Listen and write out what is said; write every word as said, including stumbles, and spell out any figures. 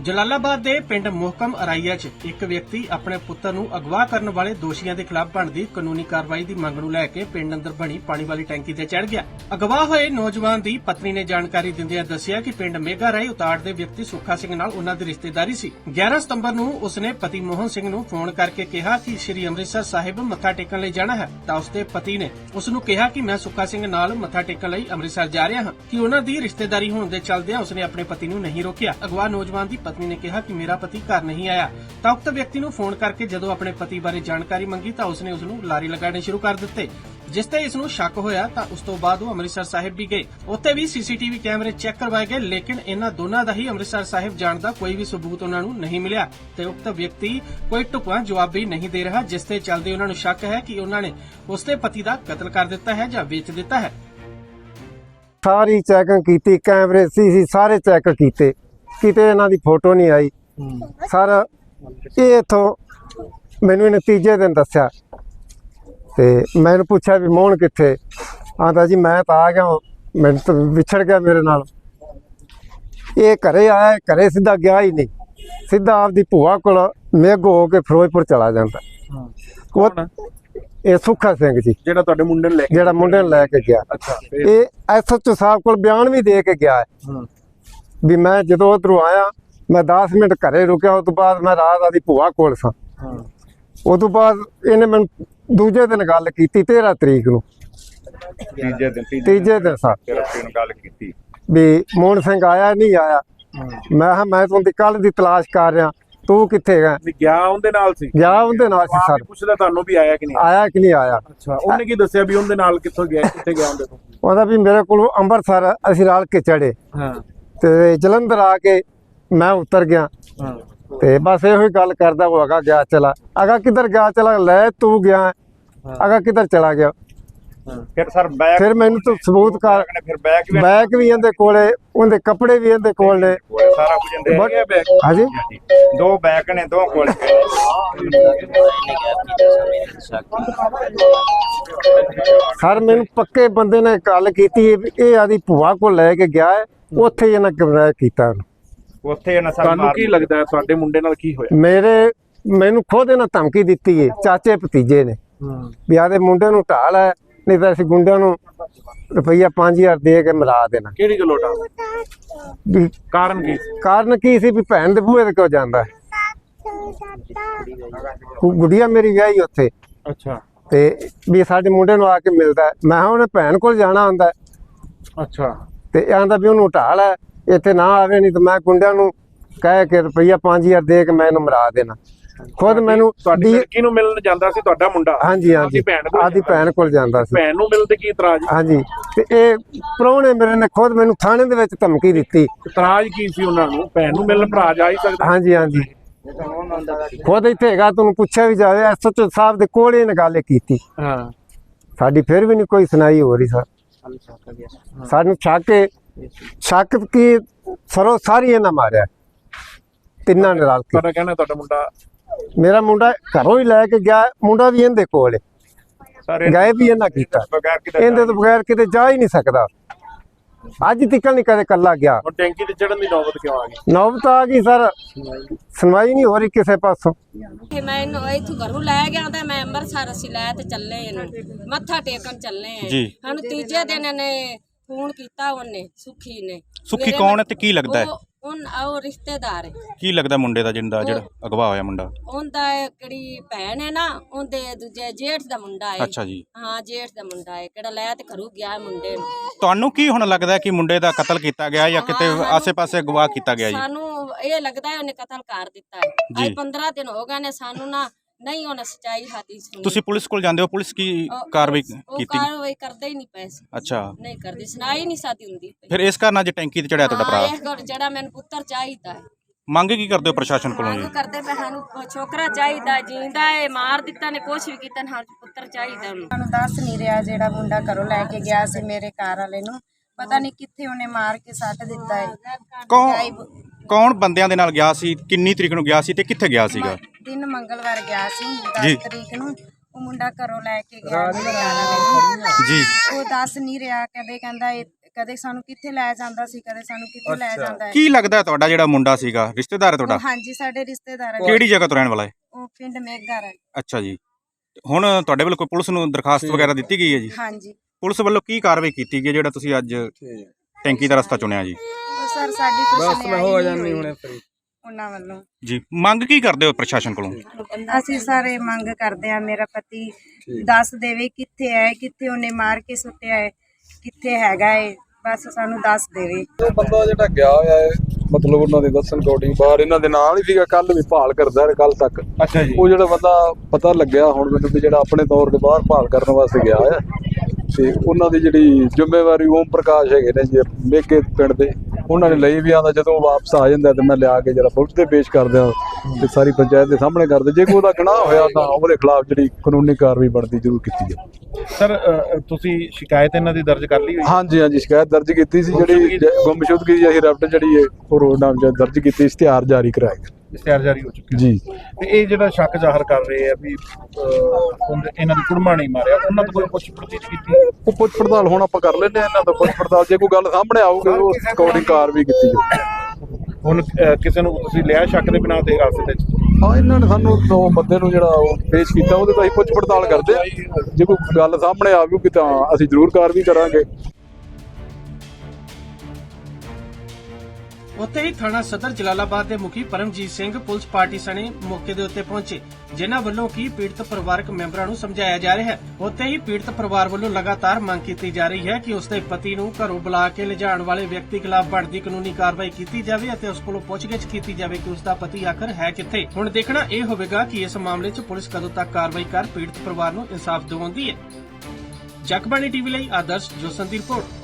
ਜਲਾਲਾਬਾਦ ਦੇ ਪਿੰਡ ਮੁਹਕਮ ਅਰਾਈਆ 'ਚ ਇੱਕ ਵਿਅਕਤੀ ਆਪਣੇ ਪੁੱਤਰ ਨੂੰ ਅਗਵਾ ਕਰਨ ਵਾਲੇ ਦੋਸ਼ੀਆਂ ਦੇ ਖਿਲਾਫ ਬਣਦੀ ਕਾਨੂੰਨੀ ਕਾਰਵਾਈ ਦੀ ਮੰਗ ਨੂੰ ਲੈ ਕੇ ਪਿੰਡ ਅੰਦਰ ਬਣੀ ਪਾਣੀ ਵਾਲੀ ਟੈਂਕੀ ਤੇ ਚੜ੍ਹ ਗਿਆ। ਅਗਵਾ ਹੋਏ ਨੌਜਵਾਨ ਦੀ ਪਤਨੀ ਨੇ ਜਾਣਕਾਰੀ ਦਿੰਦਿਆਂ ਦੱਸਿਆ ਕਿ ਪਿੰਡ ਮੇਗਾ ਰਾਏ ਉਤਾੜ ਦੇ ਵਿਅਕਤੀ ਸੁੱਖਾ ਸਿੰਘ ਨਾਲ ਉਹਨਾਂ ਦੀ ਰਿਸ਼ਤੇਦਾਰੀ ਸੀ। ਗਿਆਰਾਂ ਸਤੰਬਰ ਨੂੰ ਉਸਨੇ ਪਤੀ ਮੋਹਨ ਸਿੰਘ ਨੂੰ ਫੋਨ ਕਰਕੇ ਕਿਹਾ ਕਿ ਸ੍ਰੀ ਅੰਮ੍ਰਿਤਸਰ ਸਾਹਿਬ ਮੱਥਾ ਟੇਕਣ ਲਈ ਜਾਣਾ ਹੈ ਤਾਂ ਉਸਦੇ ਪਤੀ ਨੇ ਉਸ ਨੂੰ ਕਿਹਾ ਕਿ ਮੈਂ ਸੁੱਖਾ ਸਿੰਘ ਨਾਲ ਮੱਥਾ ਟੇਕਣ ਲਈ ਅੰਮ੍ਰਿਤਸਰ ਜਾ ਰਿਹਾ ਹਾਂ ਕਿ ਉਹਨਾਂ ਦੀ ਰਿਸ਼ਤੇਦਾਰੀ ਹੋਣ ਦੇ ਚੱਲਦਿਆਂ ਉਸਨੇ ਆਪਣੇ ਪਤੀ ਨੂੰ ਨਹੀਂ ਰੋਕਿਆ। ਅਗਵਾ ਨੌਜਵਾਨ ਦੀ ਪਤਨੀ ਨੇ ਕਿਹਾ ਕਿ ਮੇਰਾ ਪਤੀ ਘਰ ਨਹੀਂ ਆਇਆ ਤਾਂ ਉਕਤ ਵਿਅਕਤੀ ਨੂੰ ਫੋਨ ਕਰਕੇ ਜਦੋਂ ਆਪਣੇ ਪਤੀ ਬਾਰੇ ਜਾਣਕਾਰੀ ਮੰਗੀ ਤਾਂ ਉਸਨੇ ਉਸ ਨੂੰ ਲਾਰੇ ਲਗਾਉਣੇ ਸ਼ੁਰੂ ਕਰ ਦਿੱਤੇ, ਜਿਸ ਤੇ ਇਸ ਨੂੰ ਸ਼ੱਕ ਹੋਇਆ ਤਾਂ ਉਸ ਤੋਂ ਬਾਅਦ ਉਹ ਅੰਮ੍ਰਿਤਸਰ ਸਾਹਿਬ ਵੀ ਗਏ। ਉੱਥੇ ਵੀ ਸੀਸੀਟੀਵੀ ਕੈਮਰੇ ਚੈੱਕ ਕਰਵਾਏ ਗਏ, ਲੇਕਿਨ ਇਹਨਾਂ ਦੋਨਾਂ ਦਾ ਹੀ ਅੰਮ੍ਰਿਤਸਰ ਸਾਹਿਬ ਜਾਣ ਦਾ ਕੋਈ ਵੀ ਸਬੂਤ ਉਹਨਾਂ ਨੂੰ ਨਹੀਂ ਮਿਲਿਆ ਤੇ ਉਕਤ ਵਿਅਕਤੀ ਕੋਈ ਢੁਕਵਾਂ ਜਵਾਬ ਵੀ ਨਹੀਂ ਦੇ ਰਿਹਾ, ਜਿਸ ਤੇ ਚੱਲਦੇ ਉਹਨਾਂ ਨੂੰ ਸ਼ੱਕ ਹੈ ਕਿ ਉਹਨਾਂ ਨੇ ਉਸਦੇ ਪਤੀ ਦਾ ਕਤਲ ਕਰ ਦਿੱਤਾ ਹੈ ਜਾਂ ਵੇਚ ਦਿੱਤਾ ਹੈ। ਸਾਰੀ ਚੈਕਿੰਗ ਕੀਤੀ, ਕੈਮਰੇ ਸੀ ਸਾਰੇ ਚੈੱਕ ਕੀਤੇ, ਕਿਤੇ ਇਹਨਾਂ ਦੀ ਫੋਟੋ ਨਹੀਂ ਆਈ। ਸਰ ਇਹ ਇਥੋਂ ਮੈਨੂੰ ਇਹਨੇ ਤੀਜੇ ਦਿਨ ਦੱਸਿਆ ਤੇ ਮੈਨੂੰ ਪੁੱਛਿਆ ਵੀ ਮੋਹਨ ਕਿੱਥੇ, ਆਂਦਾ ਜੀ ਮੈਂ ਤਾਂ ਆ ਗਿਆ, ਮੈਨੂੰ ਤਾਂ ਵਿਛੜ ਗਿਆ ਮੇਰੇ ਨਾਲ। ਇਹ ਘਰੇ ਆਇਆ, ਘਰੇ ਸਿੱਧਾ ਗਿਆ ਹੀ ਨਹੀਂ, ਸਿੱਧਾ ਆਪਦੀ ਭੂਆ ਕੋਲ ਮੇਘੋ ਹੋ ਕੇ ਫਿਰੋਜ਼ਪੁਰ ਚਲਾ ਜਾਂਦਾ। ਉਹ ਇਹ ਸੁੱਖਾ ਸਿੰਘ ਜੀ ਜਿਹੜਾ ਤੁਹਾਡੇ ਮੁੰਡੇ ਨੂੰ ਲੈ ਕੇ ਜਿਹੜਾ ਮੁੰਡੇ ਨੂੰ ਲੈ ਕੇ ਗਿਆ। ਅੱਛਾ, ਇਹ ਐਸਐਚਓ ਸਾਹਿਬ ਕੋਲ ਬਿਆਨ ਵੀ ਦੇ ਕੇ ਗਿਆ ਹੈ ਵੀ ਮੈਂ ਜਦੋਂ ਉਧਰੋਂ ਆਇਆ ਮੈਂ ਦਸ ਮਿੰਟ ਘਰੇ ਰੁਕਿਆ, ਉਸ ਤੋਂ ਬਾਅਦ ਮੈਂ ਰਾਤ ਆਦੀ ਭੂਆ ਕੋਲ ਸਾਂ। ਉਸ ਤੋਂ ਬਾਅਦ ਇਹਨੇ ਮੈਨੂੰ ਦੂਜੇ ਦਿਨ ਗੱਲ ਕੀਤੀ ਤੇਰਾਂ ਤਰੀਕ ਨੂੰ, ਤੀਜੇ ਦਿਨ ਤੀਜੇ ਦਿਨ ਸਾ ਨੂੰ ਗੱਲ ਕੀਤੀ ਵੀ ਮੋਹਨ ਸਿੰਘ ਆਇਆ ਨਹੀਂ ਆਇਆ। ਮੈਂ ਕਿਹਾ ਮੈਂ ਤੁਹਾਨੂੰ ਕੱਲ ਦੀ ਤਲਾਸ਼ ਕਰ ਰਿਹਾ, ਤੂੰ ਕਿੱਥੇ ਗਿਆ? ਵੀ ਗਿਆ ਉਹਦੇ ਨਾਲ ਸੀ, ਗਿਆ ਉਹਦੇ ਨਾਲ ਸੀ ਸਰ। ਪੁੱਛਦਾ ਤੁਹਾਨੂੰ ਵੀ ਆਇਆ ਕਿ ਨਹੀਂ ਆਇਆ ਕਿ ਨਹੀਂ ਆਇਆ? ਅੱਛਾ, ਉਹਨੇ ਕੀ ਦੱਸਿਆ ਵੀ ਉਹਦੇ ਨਾਲ ਕਿੱਥੋਂ ਗਿਆ, ਕਿੱਥੇ ਗਿਆ ਉਹਦੇ ਤੋਂ? ਉਹਦਾ ਵੀ ਮੇਰੇ ਕੋਲ ਅੰਮ੍ਰਿਤਸਰ ਅਸੀਂ ਰਲ ਕੇ ਚੜੇ ਹਾਂ ਤੇ ਜਲੰਧਰ ਆ ਕੇ ਮੈਂ ਉਤਰ ਗਿਆ ਹਾਂ ਤੇ ਬਸ ਇਹੋ ਹੀ ਗੱਲ ਕਰਦਾ ਉਹ ਅਗਾ ਗਿਆ ਚਲਾ, ਅਗਾ ਕਿੱਧਰ ਗਿਆ ਚਲਾ, ਲੈ ਤੂੰ ਗਿਆ ਅਗਾ ਕਿੱਧਰ ਚਲਾ ਗਿਆ। ਫਿਰ ਸਰ ਬੈਗ ਫਿਰ ਮੈਨੂੰ ਤੂੰ ਸਬੂਤ ਕਰ, ਫਿਰ ਬੈਗ ਵੀ ਬੈਗ ਵੀ ਇਹਦੇ ਕੋਲੇ, ਉਹਦੇ ਕੱਪੜੇ ਵੀ ਇਹਦੇ ਕੋਲ ਨੇ, ਸਾਰਾ ਕੁਝ ਇਹਦੇ ਬਟ- ਹੈਗਾ ਬੈਗ। ਹਾਂਜੀ ਦੋ ਬੈਗ ਨੇ, ਦੋ ਕੋਲ ਸਰ ਮੈਨੂੰ ਪੱਕੇ ਬੰਦੇ ਨੇ ਗੱਲ ਕੀਤੀ ਵੀ ਇਹ ਆਦੀ ਭੂਆ ਕੋਲ ਲੈ ਕੇ ਗਿਆ ਹੈ, ਉੱਥੇ ਹੀ ਇਹਨਾਂ ਕਿਡਨੈਪ ਕੀਤਾ ਉਹਨੂੰ। ਉੱਥੇ ਇਹਨਾਂ ਸਰ ਤੁਹਾਨੂੰ ਕੀ ਲੱਗਦਾ ਹੈ ਤੁਹਾਡੇ ਮੁੰਡੇ ਨਾਲ ਕੀ ਹੋਇਆ? ਮੇਰੇ ਮੈਨੂੰ ਖੁਦ ਇਹਨਾਂ ਧਮਕੀ ਦਿੱਤੀ ਹੈ ਚਾਚੇ ਭਤੀਜੇ ਨੇ ਵੀ ਆਦੇ ਮੁੰਡੇ ਨੂੰ ਢਾਲ ਹੈ, ਨਹੀਂ ਤਾਂ ਅਸੀਂ ਗੁੰਡਿਆਂ ਨੂੰ ਰੁਪਈਆ ਪੰਜ ਹਜ਼ਾਰ ਦੇ ਕੇ ਮਿਲਾ ਦੇਣਾ। ਕਿਹੜੀ ਗੱਲੋਂ ਡਾ ਵੀ ਕਾਰਨ ਕੀ? ਕਾਰਨ ਕੀ ਸੀ ਵੀ ਭੈਣ ਦੇ ਬੂਹੇ ਤੇ ਕਿਉਂ ਜਾਂਦਾ ਹੈ? ਗੁੱਡੀਆ ਮੇਰੀ ਵਿਆਹੀ ਉੱਥੇ ਅੱਛਾ ਤੇ ਵੀ ਸਾਡੇ ਮੁੰਡੇ ਨੂੰ ਆ ਕੇ ਮਿਲਦਾ ਹੈ। ਮੈਂ ਕਿਹਾ ਉਹਨੇ ਭੈਣ ਕੋਲ ਜਾਣਾ ਹੁੰਦਾ ਹੈ ਅੱਛਾ ਤੇ ਆਂਦਾ ਵੀ ਉਹਨੂੰ ਢਾਲ ਹੈ, ਇੱਥੇ ਨਾ ਆਵੇ, ਨਹੀਂ ਤਾਂ ਮੈਂ ਗੁੰਡਿਆਂ ਨੂੰ ਕਹਿ ਕੇ ਰੁਪਈਆ ਪੰਜ ਹਜ਼ਾਰ ਦੇ ਕੇ ਮੈਂ ਇਹਨੂੰ ਮਰਾ ਦੇਣਾ। ਖੁਦ ਮੈਨੂੰ ਤੁਹਾਡੀ ਲੜਕੀ ਨੂੰ ਮਿਲਣ ਜਾਂਦਾ ਸੀ ਤੁਹਾਡਾ ਮੁੰਡਾ? ਹਾਂਜੀ ਹਾਂਜੀ ਆਦੀ ਭੈਣ ਕੋਲ ਜਾਂਦਾ ਸੀ। ਭੈਣ ਨੂੰ ਮਿਲਣ ਤੇ ਕੀ ਇਤਰਾਜ਼? ਹਾਂਜੀ ਤੇ ਇਹ ਪ੍ਰਾਹੁਣੇ ਮੇਰੇ ਨੇ ਖੁਦ ਮੈਨੂੰ ਥਾਣੇ ਦੇ ਵਿੱਚ ਧਮਕੀ ਦਿੱਤੀ। ਇਤਰਾਜ਼ ਕੀ ਸੀ ਉਹਨਾਂ ਨੂੰ? ਭੈਣ ਨੂੰ ਮਿਲਣ ਭਰਾ ਜਾ ਹੀ ਸਕਦਾ? ਹਾਂਜੀ ਹਾਂਜੀ ਖੁਦ ਇੱਥੇ ਹੈਗਾ, ਤੁਹਾਨੂੰ ਪੁੱਛਿਆ ਵੀ ਜਾਵੇ, ਐਸਐਚਓ ਸਾਹਿਬ ਦੇ ਕੋਲ ਇਹਨੇ ਗੱਲ ਕੀਤੀ। ਹਾਂ ਸਾਡੀ ਫਿਰ ਵੀ ਨਹੀਂ ਕੋਈ ਸੁਣਾਈ ਹੋ ਰਹੀ ਸਰ। ਸਾਨੂੰ ਸ਼ੱਕ ਹੈ, ਸ਼ੱਕ ਕੀ ਸਰੋ ਸਾਰੀ ਇਹਨਾਂ ਮਾਰਿਆ, ਤਿੰਨਾਂ ਨੇ ਰਲ ਕੇ। ਤੁਹਾਡਾ ਕਹਿਣਾ ਤੁਹਾਡਾ ਮੁੰਡਾ? ਮੇਰਾ ਮੁੰਡਾ ਘਰੋਂ ਹੀ ਲੈ ਕੇ ਗਿਆ, ਮੁੰਡਾ ਵੀ ਇਹਦੇ ਕੋਲ ਹੈ, ਸਾਰੇ ਗਾਇਬ ਵੀ ਇਹਨਾਂ ਕੀਤਾ, ਬਗੈਰ ਕਿਤੇ ਇਹਦੇ ਤੋਂ ਬਗੈਰ ਕਿਤੇ ਜਾ ਹੀ ਨਹੀਂ ਸਕਦਾ। ਅੱਜ ਤੱਕ ਨਹੀਂ ਕਦੇ ਕੱਲਾ ਗਿਆ। ਹੁਣ ਟੈਂਕੀ ਤੇ ਚੜਨ ਦੀ ਨੌਬਤ ਕਿਉਂ ਆ ਗਈ? ਨੌਬਤ ਆ ਗਈ ਸਰ, ਸੁਣਵਾਈ ਨਹੀਂ ਹੋ ਰਹੀ ਕਿਸੇ ਪਾਸੋਂ। ਕਿ ਮੈਂ ਇਹਨੂੰ ਇੱਥੋਂ ਘਰੋਂ ਲੈ ਗਿਆ ਤਾਂ ਮੈਂ ਅੰਮ੍ਰਿਤਸਰ ਅਸੀਂ ਲੈ ਤੇ ਚੱਲੇ ਇਹਨੂੰ ਮੱਥਾ ਟੇਕਣ ਚੱਲੇ ਆ ਜੀ। ਸਾਨੂੰ ਤੀਜੇ ਦਿਨ ਇਹਨੇ ਫੋਨ ਕੀਤਾ, ਉਹਨੇ ਸੁੱਖੀ ਨੇ। ਸੁੱਖੀ ਕੌਣ ਹੈ ਤੇ ਕੀ ਲੱਗਦਾ ਹੈ? ਉਹ ਉਹ ਰਿਸ਼ਤੇਦਾਰ ਹੈ। ਕੀ ਲੱਗਦਾ ਮੁੰਡੇ ਦਾ ਜਿੰਦਾ ਜਿਹੜਾ ਅਗਵਾ ਹੋਇਆ ਮੁੰਡਾ? ਉਹਦਾ ਕਿਹੜੀ ਭੈਣ ਹੈ ਨਾ, ਉਹਦੇ ਦੂਜੇ ਜੇਠ ਦਾ ਮੁੰਡਾ ਹੈ। ਅੱਛਾ ਜੀ, ਹਾਂ ਜੇਠ ਦਾ ਮੁੰਡਾ ਹੈ, ਕਿਹੜਾ ਲੈ ਤੇ ਘਰੋਂ ਗਿਆ ਮੁੰਡੇ ਨੂੰ। ਤੁਹਾਨੂੰ ਕੀ ਹੁਣ ਲੱਗਦਾ ਕਿ ਮੁੰਡੇ ਦਾ ਕਤਲ ਕੀਤਾ ਗਿਆ ਜਾਂ ਕਿਤੇ ਆਸੇ-ਪਾਸੇ ਅਗਵਾ ਕੀਤਾ ਗਿਆ ਜੀ? ਸਾਨੂੰ ਇਹ ਲੱਗਦਾ ਹੈ ਉਹਨੇ ਕਤਲ ਕਰ ਦਿੱਤਾ ਹੈ। ਅੱਜ ਪੰਦਰਾਂ ਦਿਨ ਹੋ ਗਏ ਨੇ, ਸਾਨੂੰ ਨਾ ਨਹੀਂ ਉਹਨੇ ਸੱਚਾਈ ਹਾਦੀ ਸੁਣੀ। ਤੁਸੀਂ ਪੁਲਿਸ ਕੋਲ ਜਾਂਦੇ ਹੋ, ਪੁਲਿਸ ਕੀ ਕਾਰਵਾਈ ਉਹ ਕੀਤੀ? ਕਾਰਵਾਈ ਕਰਦੇ ਹੀ ਨਹੀਂ ਪਏ ਸੀ। ਅੱਛਾ, ਨਹੀਂ ਕਰਦੀ, ਸੁਣਾਈ ਨਹੀਂ ਸਾਦੀ ਹੁੰਦੀ। ਫਿਰ ਇਸ ਕਾਰਨ ਅੱਜ ਟੈਂਕੀ ਤੇ ਚੜਿਆ ਤੁਹਾਡਾ ਭਰਾ? ਇਹ ਗੱਲ ਜਿਹੜਾ ਮੈਨੂੰ ਪੁੱਤਰ ਚਾਹੀਦਾ ਹੈ। ਮੰਗ ਕੀ ਕਰਦੇ ਹੋ ਪ੍ਰਸ਼ਾਸਨ ਕੋਲੋਂ ਜੀ? ਮੰਗ ਕਰਦੇ ਪਏ ਸਾਨੂੰ ਛੋਕਰਾ ਚਾਹੀਦਾ, ਜਿੰਦਾ ਹੈ, ਮਾਰ ਦਿੱਤਾ ਨੇ, ਕੁਛ ਵੀ ਕੀਤਾ ਨਾ, ਪੁੱਤਰ ਚਾਹੀਦਾ ਉਹਨੂੰ। ਸਾਨੂੰ ਦੱਸ ਨਹੀਂ ਰਿਹਾ, ਜਿਹੜਾ ਮੁੰਡਾ ਘਰੋਂ ਲੈ ਕੇ ਗਿਆ ਸੀ ਮੇਰੇ ਘਰ ਵਾਲੇ ਨੂੰ, ਪਤਾ ਨਹੀਂ ਕਿੱਥੇ ਉਹਨੇ ਮਾਰ ਕੇ ਸੱਟ ਦਿੱਤਾ ਹੈ। ਕੌਣ ਕੌਣ ਬੰਦਿਆਂ ਦੇ ਨਾਲ ਗਿਆ ਸੀ, ਕਿੰਨੀ ਤਰੀਕ ਨੂੰ ਗਿਆ ਸੀ ਤੇ ਕਿੱਥੇ ਗਿਆ ਸੀਗਾ? ਦਿਨ ਮੰਗਲਵਾਰ ਗਿਆ ਸੀ, ਜੀ। ਦਸ ਤਰੀਕ ਨੂੰ। ਉਹ ਮੁੰਡਾ ਘਰੋਂ ਲੈ ਕੇ ਗਿਆ ਮੇਰੇ ਘਰ ਵਾਲੇ ਨੂੰ ਜੀ। ਉਹ ਦੱਸ ਨਹੀਂ ਰਿਹਾ, ਕਦੇ ਕਹਿੰਦਾ ਕਦੇ ਸਾਨੂੰ ਕਿੱਥੇ ਲੈ ਜਾਂਦਾ ਸੀ, ਕਦੇ ਸਾਨੂੰ ਕਿੱਥੇ ਲੈ ਜਾਂਦਾ ਹੈ। ਕੀ ਲੱਗਦਾ ਤੁਹਾਡਾ ਜਿਹੜਾ ਮੁੰਡਾ ਸੀਗਾ ਰਿਸ਼ਤੇਦਾਰ ਹੈ ਤੁਹਾਡਾ? ਉਹ ਹਾਂਜੀ ਸਾਡੇ ਰਿਸ਼ਤੇਦਾਰ ਹੈ। ਕਿਹੜੀ ਜਗ੍ਹਾ ਤੋਂ ਰਹਿਣ ਵਾਲਾ ਹੈ? ਉਹ ਪਿੰਡ ਮੇਘਰ ਹੈ। ਅੱਛਾ ਜੀ। ਹੁਣ ਤੁਹਾਡੇ ਵੱਲੋਂ ਕੋਈ ਪੁਲਿਸ ਨੂੰ ਦਰਖਾਸਤ ਵਗੈਰਾ ਦਿੱਤੀ ਗਈ ਹੈ ਜੀ? ਹਾਂਜੀ। ਪੁਲਿਸ ਵੱਲੋਂ ਕੀ ਕਾਰਵਾਈ ਕੀਤੀ ਗਈ ਹੈ ਜਿਹੜਾ ਤੁਸੀਂ ਅੱਜ ਟੈਂਕੀ ਦਾ ਰਸਤਾ ਚੁਣਿਆ ਜੀ? ਉਹ ਸਰ ਸਾਡੀ ਕੁਛ ਨਹੀਂ ਹੋ ਜਾਂਦੀ ਹੁਣੇ ਉਹਨਾਂ ਵੱਲੋਂ। ਜੀ, ਮੰਗ ਕੀ ਕਰਦੇ ਹੋ ਪ੍ਰਸ਼ਾਸਨ ਕੋਲੋਂ? ਅਸੀਂ ਸਾਰੇ ਮੰਗ ਕਰਦੇ ਆ ਮੇਰਾ ਪਤੀ ਦੱਸ ਦੇਵੇ ਕਿੱਥੇ ਹੈ, ਕਿੱਥੇ ਉਹਨੇ ਮਾਰ ਕੇ ਸੁੱਟਿਆ ਹੈ, ਕਿੱਥੇ ਹੈਗਾ ਹੈ, ਬਸ ਸਾਨੂੰ ਦੱਸ ਦੇਵੇ। ਉਹ ਬੰਦਾ ਜਿਹੜਾ ਗਿਆ ਹੋਇਆ ਹੈ ਮਤਲਬ ਉਹਨਾਂ ਦੇ ਦੱਸਣ ਅਕੋਰਡਿੰਗ ਬਾਹਰ ਇਹਨਾਂ ਦੇ ਨਾਲ ਹੀ ਸੀਗਾ, ਕੱਲ ਵੀ ਭਾਲ ਕਰਦਾ ਰਿਹਾ ਕੱਲ ਤੱਕ। ਅੱਛਾ ਜੀ। ਉਹ ਜਿਹੜਾ ਬੰਦਾ ਪਤਾ ਲੱਗਿਆ ਹੁਣ ਮੈਨੂੰ ਵੀ ਜਿਹੜਾ ਆਪਣੇ ਤੌਰ ਤੇ ਬਾਹਰ ਭਾਲ ਕਰਨ ਵਾਸਤੇ ਗਿਆ ਹੈ ਤੇ ਉਹਨਾਂ ਦੀ ਜਿਹੜੀ ਜ਼ਿੰਮੇਵਾਰੀ ਓਮ ਪ੍ਰਕਾਸ਼ ਹੈਗੇ ਨੇ ਜੀ ਮੇਘੇ ਪਿੰਡ ਦੇ, ਉਹਨਾਂ ਨੇ ਲਈ ਵੀ ਆਂਦਾ ਜਦੋਂ ਵਾਪਸ ਆ ਜਾਂਦਾ ਤੇ ਮੈਂ ਲਿਆ ਕੇ ਜਿਹੜਾ ਪੁਲਿਸ ਤੇ ਪੇਸ਼ ਕਰ ਦਿਆਂ ਤੇ ਸਾਰੀ ਪੰਚਾਇਤ ਦੇ ਸਾਹਮਣੇ ਕਰ ਦੇ। ਜੇ ਕੋਈ ਉਹਦਾ ਗੁਨਾਹ ਹੋਇਆ ਤਾਂ ਉਹਦੇ ਖਿਲਾਫ ਜਿਹੜੀ ਕਾਨੂੰਨੀ ਕਾਰਵਾਈ ਬਣਦੀ ਜ਼ਰੂਰ ਕੀਤੀ ਜਾਵੇ। ਸਰ ਤੁਸੀਂ ਸ਼ਿਕਾਇਤ ਇਹਨਾਂ ਦੀ ਦਰਜ ਕਰ ਲਈ ਹੋਈ? ਹਾਂਜੀ ਹਾਂਜੀ, ਸ਼ਿਕਾਇਤ ਦਰਜ ਕੀਤੀ ਸੀ, ਜਿਹੜੀ ਗੁੰਮਸ਼ੁਦਗੀ ਦੀ ਅਸੀਂ ਰੈਫਟ ਜਿਹੜੀ ਹੈ ਉਹ ਰੋਡ ਨਾਮ ਦਰਜ ਕੀਤੀ, ਇਸ਼ਤਿਹਾਰ ਜਾਰੀ ਕਰਾਇਆ ਗਿਆ। ਇਸ਼ਤਿਹਾਰ ਜਾਰੀ ਹੋ ਚੁੱਕਿਆ ਜੀ। ਤੇ ਇਹ ਜਿਹੜਾ ਸ਼ੱਕ ਜ਼ਾਹਰ ਕਰ ਰਹੇ ਆ ਵੀ ਇਹਨਾਂ ਦੀ ਕੁੜਮਾ ਨਹੀਂ ਮਾਰਿਆ, ਉਹਨਾਂ ਤੋਂ ਕੋਈ ਪੁੱਛ ਪੜਤਾਲ ਕੀਤੀ? ਉਹ ਪੁੱਛ ਪੜਤਾਲ ਹੁਣ ਆਪਾਂ ਕਰ ਲੈਂਦੇ ਆ ਇਹਨਾਂ ਤੋਂ ਪੁੱਛ ਪੜਤਾਲ, ਜੇ ਕੋਈ ਗੱਲ ਸਾਹਮਣੇ ਆਊਗੀ ਉਸ ਅਕੋਰਡਿੰਗ ਕਾਰਵਾਈ ਕੀਤੀ ਜਾਊਗੀ। ਹੁਣ ਕਿਸੇ ਨੂੰ ਤੁਸੀਂ ਲਿਆ ਸ਼ੱਕ ਦੇ ਬਿਨਾਂ ਤੇ ਹਾਦਸੇ ਵਿੱਚ? ਹਾਂ, ਇਹਨਾਂ ਨੇ ਸਾਨੂੰ ਦੋ ਬੰਦੇ ਨੂੰ ਜਿਹੜਾ ਉਹ ਪੇਸ਼ ਕੀਤਾ, ਉਹਦੇ ਤੋਂ ਅਸੀਂ ਪੁੱਛ ਪੜਤਾਲ ਕਰਦੇ ਆ। ਜੇ ਕੋਈ ਗੱਲ ਸਾਹਮਣੇ ਆਊਗੀ ਤਾਂ ਅਸੀਂ ਜ਼ਰੂਰ ਕਾਰਵਾਈ ਕਰਾਂਗੇ। ਉੱਥੇ ਹੀ ਥਾਣਾ ਸਦਰ ਜਲਾਲਾਬਾਦ ਦੇ ਮੁਖੀ ਪਰਮਜੀਤ ਸਿੰਘ ਪੁਲਿਸ ਪਾਰਟੀ ਸਣੇ ਮੌਕੇ ਦੇ ਉੱਤੇ ਪਹੁੰਚੇ, ਜਿਨ੍ਹਾਂ ਵੱਲੋਂ ਕੀ ਪੀੜਤ ਪਰਿਵਾਰਕ ਮੈਂਬਰਾਂ ਨੂੰ ਸਮਝਾਇਆ ਜਾ ਰਿਹਾ ਹੈ। ਉੱਥੇ ਹੀ ਪੀੜਤ ਪਰਿਵਾਰ ਵੱਲੋਂ ਲਗਾਤਾਰ ਮੰਗ ਕੀਤੀ ਜਾ ਰਹੀ ਹੈ ਕਿ ਉਸਦੇ ਪਤੀ ਨੂੰ ਘਰੋਂ ਬੁਲਾ ਕੇ ਲਿਜਾਣ ਵਾਲੇ ਵਿਅਕਤੀ ਖਿਲਾਫ ਬਣਦੀ ਕਾਨੂੰਨੀ ਕਾਰਵਾਈ ਕੀਤੀ ਜਾਵੇ ਅਤੇ ਉਸ ਕੋਲੋਂ ਪੁੱਛਗਿੱਛ ਕੀਤੀ ਜਾਵੇ ਕਿ ਉਸਦਾ ਪਤੀ ਆਖਰ ਹੈ ਕਿੱਥੇ। ਹੁਣ ਦੇਖਣਾ ਇਹ ਹੋਵੇਗਾ ਕਿ ਇਸ ਮਾਮਲੇ 'ਚ ਪੁਲਿਸ ਕਦੋਂ ਤੱਕ ਕਾਰਵਾਈ ਕਰ ਪੀੜਤ ਪਰਿਵਾਰ ਨੂੰ ਇਨਸਾਫ ਦਿਵਾਉਂਦੀ ਹੈ। ਜਗਬਾਣੀ ਟੀਵੀ ਲਈ ਆਦਰਸ਼ ਜੋਸਨ ਦੀ ਰਿਪੋਰਟ।